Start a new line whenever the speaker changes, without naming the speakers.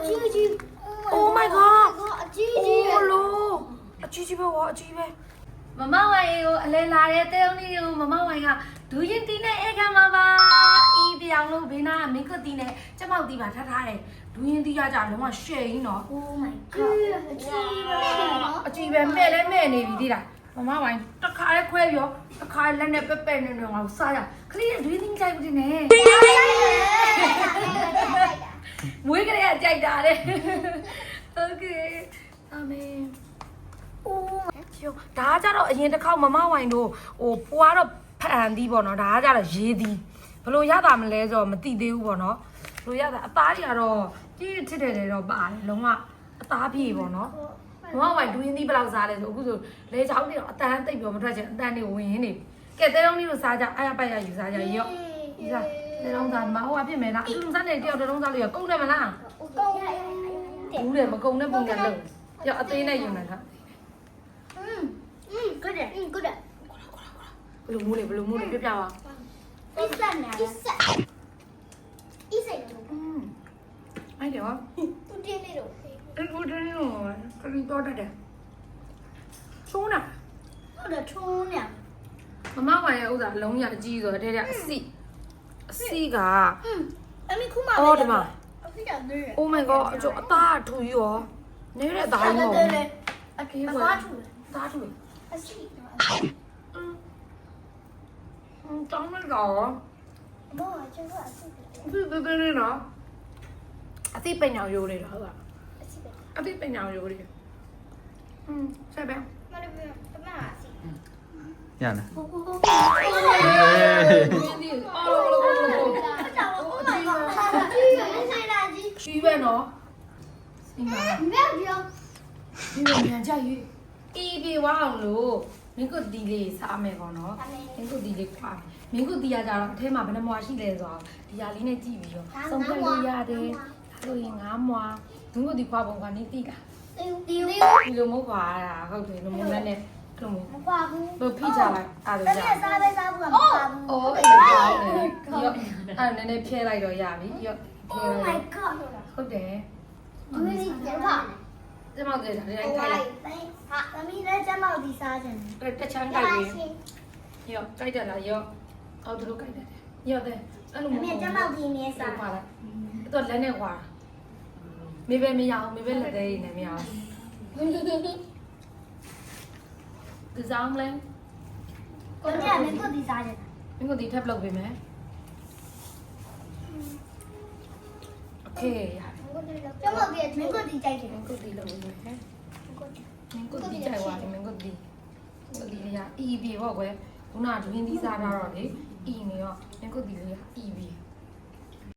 Oh my god အကြီးကြီးပဲဝါအကြီးပဲမမဝိုင်ကိုအလဲလာတဲ့တဲုံလေးကိုမမဝိုင်ကဒူးရင်တီးနဲ့အေးခံမှာပါအီးပြောင်လို့ဘေးနားမင်းကတီးနဲ့ကျမောက်တီးပါထားတယ်ဒူးရင်တီးရကြလုံးဝရှယ်ရင်းနော်
Oh my god
အကြီးပဲမဲ့လဲမဲ့နေပြီတိလားမမဝိုင်တစ်ခါလဲခွဲပြောတစ်ခါလက်နဲ့ပဲ့နေနေငါစားရခလေးဒူးရင်တီးကြိုက်ဘူးတင်နဲ့မွေးကလေးကကြိုက်တာတဲ့ Okay အမေအိုးကျော်ဒါကကြတော့အရင်တစ်ခေါက်မမဝိုင်တို့ဟိုပွားတော့ဖန်သီးပေါ့နော်ဒါကကြတော့ရေးသီးဘလို့ရတာမလဲဆိုတော့မသိသေးဘူးပေါ့နော်ဘလို့ရတာအသားတွေကတော့ကြီးထစ်တယ်တော့ပါတယ်လုံးဝအသားပြေပေါ့နော်မမဝိုင်ဒူးရင်းသီးဘယ်လောက်စားလဲဆိုအခုဆိုလေချောင်းတွေတော့အတန်းသိပ်ပြောမထွက်ချင်အတန်းတွေဝင်ရင်းနေကဲတဲလုံးလေးကိုစားကြအားရပိုက်ရယူစားကြရော့ဒီစားတဲလုံးစားမဟိုအဖြစ်မယ်လားအခုစားနေတယောက်တုံးစားလို့ရကုန်တယ်မလားဘူးတယ်မကုန်တဲ့ပုံစံလုံးရော့အသေးနဲ့ယူနေတာ
good good
ဘလူးမိုးလေးပြပြပါ
isa
အဲ့တယ်ဟော
သူတင်းနေတော့
အဲ့ကိုတင်းရောခရီးတော့တတ်တယ်ချိုးနာ
ဟုတ်တယ်ထုံးနေ
မမဝိုင်ရဲ့ဥစ္စာအလုံးရအကြီးဆိုတော့တဲ့တဲ့အစီက
အမေခုမှ
အော်ဒီမှာ
အဖေကနေ
Oh my god အကျအသားထူရောနေတဲ့အသားရောအကေးဝယ်သားထူ
အစီ
တောင်းလိုက်တော့
ဘောကျတော့အစီ
ဘယ်နော်အသိပညာရိုးလေးတော့ဟုတ်ပါ
အစီပဲ
အသိပညာရိုးလေးဆက်ပဲ
မလေးပဲတမအစီ
ရလား
ဟိုဟိုဟို
ဒီအော်လို့
Oh my god ကြီးရဆိုင်လာကြီး
ရှိပဲနော်စီမာ
မြေပြော
ဒီလိုမြန်ကြရွေးအေးပြေဝအောင်လို့မင်းကဒီလေးစားမယ်ပေါ့နော်မင်းကဒီလေးခွာမင်းကဒီရကြတော့အထဲမှာဘယ်နှမွာရှိလဲဆိုတော့ဒီရလေးနဲ့ကြည့်ပြီးတော့စုံပြလို့ရတယ်ဆိုရင်9မွာမင်းကဒီခွာပုံကနေတိတာ
တီး
ဒီလိုမဟုတ်ပါတာဟုတ်တယ်လိုမျိုးနဲ့အဲ့လိုမျိုး
မပွားဘူး
ဘယ်ဖိချလိုက်အားလို့
တ
ရ
မစားပဲစားဘူးကမပွားဘူး
အော်အေးပါလေရောအဲ့နည်းနည်းဖြဲလိုက်တော့ရပြီရော
Oh my god
ဟုတ်တယ်
ဒီလိုပြန်ပါ
ကျမတို့လည်းတိုင်း
ဟို
ခိုင်း
လိုက်ဟာသမီးလည်းကျမတို့ဒီစားကြတယ်
တချမ်းကြိုက်ပြီရောကြိုက်တယ်လားရောအော်သူတို့ကြိုက်တယ်ရောတဲ့အဲ့လို
အမေကျမတို့ဒီနေ့စား
ပါလိုက်တော့လက်နဲ့ခွာမေပဲမရအောင်မေပဲလက်သေးနေမရအောင်ဒီစားမလဲ
ကိုကြီးကမင်းတို့ဒီစားကြတယ်
မင်းကဒီထပ်လုပ်ပေးမယ်โอเคရတယ်
ကျမတို့ဒီမင်းတို့ဒီကြိုက်တယ်
မင်းကဒီလုပ်ပေးမယ်မင်းကဒီကြိုက်သွားတယ်မင်းကဒီလေးကအီးပြီပေါ့ကွယ်ခုနကဒွင်းသီးစားတာတော့လေအီးနေရောမင်းကဒီလေးကအီးပြီ